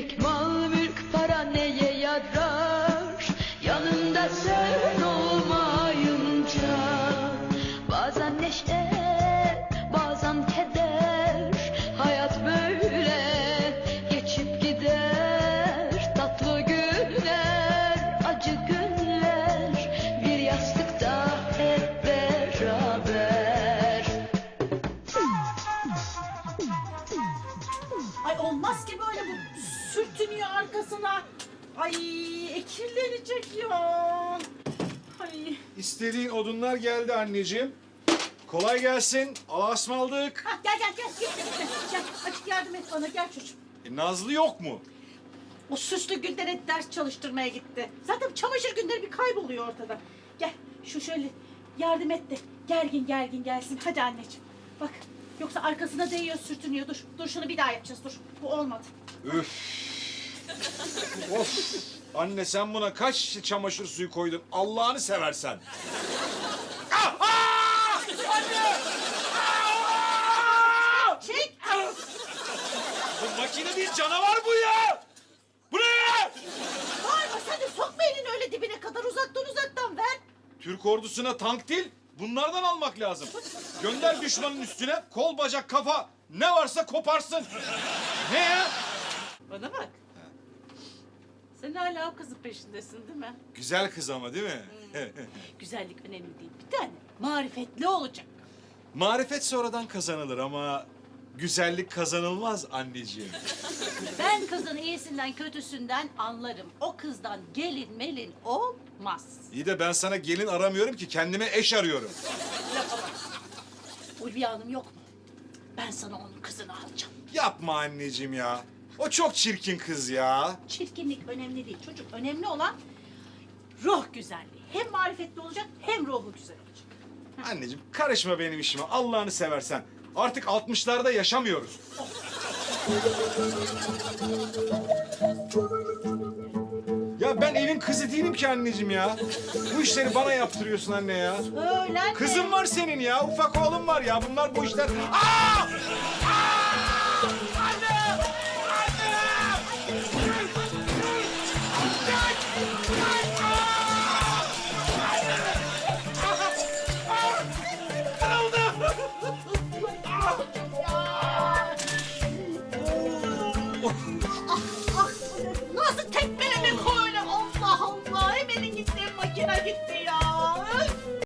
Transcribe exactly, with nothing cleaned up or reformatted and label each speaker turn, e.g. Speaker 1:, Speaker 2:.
Speaker 1: Evlilik, mal, mülk, para neye yarar? Yanında sen olmayınca. Bazen neşe, bazen keder. Hayat böyle geçip gider. Tatlı günler, acı günler. Bir yastıkta hep beraber.
Speaker 2: Ay olmaz ki böyle bu sürtünüyor arkasına. Ay e, kirlenecek ya. Ay.
Speaker 3: İstediğin odunlar geldi anneciğim. Kolay gelsin. Allah'a ısmarladık.
Speaker 2: Ha, gel gel gel. Gel, gel, gel. Açık yardım et bana gel çocuğum.
Speaker 3: E, Nazlı yok mu?
Speaker 2: O süslü Gülden'e ders çalıştırmaya gitti. Zaten çamaşır günleri bir kayboluyor ortada. Gel şu şöyle yardım et de gergin gergin gelsin. Hadi anneciğim. Bak yoksa arkasına değiyor sürtünüyor. Dur, dur şunu bir daha yapacağız dur. Bu olmadı.
Speaker 3: Üf. Of. Anne sen buna kaç şişe çamaşır suyu koydun? Allah'ını seversen. Ah! Ah! Anne! Ah!
Speaker 2: Çek.
Speaker 3: Bu makine değil canavar bu ya! Bu ne ya?
Speaker 2: Bağırma sen de sokma elini öyle dibine kadar uzaktan uzaktan ver.
Speaker 3: Türk ordusuna tank değil, bunlardan almak lazım. Gönder düşmanın üstüne, kol, bacak, kafa ne varsa koparsın. Ne ya?
Speaker 2: Bana bak. Sen hala o kızın peşindesin değil mi?
Speaker 3: Güzel kız ama değil mi?
Speaker 2: Güzellik önemli değil. Bir tane marifetli olacak.
Speaker 3: Marifet sonradan kazanılır ama güzellik kazanılmaz anneciğim.
Speaker 2: Ben kızın iyisinden kötüsünden anlarım. O kızdan gelin melin olmaz.
Speaker 3: İyi de ben sana gelin aramıyorum ki, kendime eş arıyorum.
Speaker 2: Ulviye Hanım yok mu? Ben sana onun kızını alacağım.
Speaker 3: Yapma anneciğim ya. O çok çirkin kız ya.
Speaker 2: Çirkinlik önemli değil. Çocuk önemli olan ruh güzelliği. Hem marifetli olacak hem ruhu güzel olacak.
Speaker 3: Anneciğim karışma benim işime, Allah'ını seversen. Artık altmışlarda yaşamıyoruz. Ya ben evin kızı değilim ki anneciğim ya. Bu işleri bana yaptırıyorsun anne ya.
Speaker 2: Öğlen
Speaker 3: Kızım var senin ya, ufak oğlum var ya. Bunlar bu işler... Aa!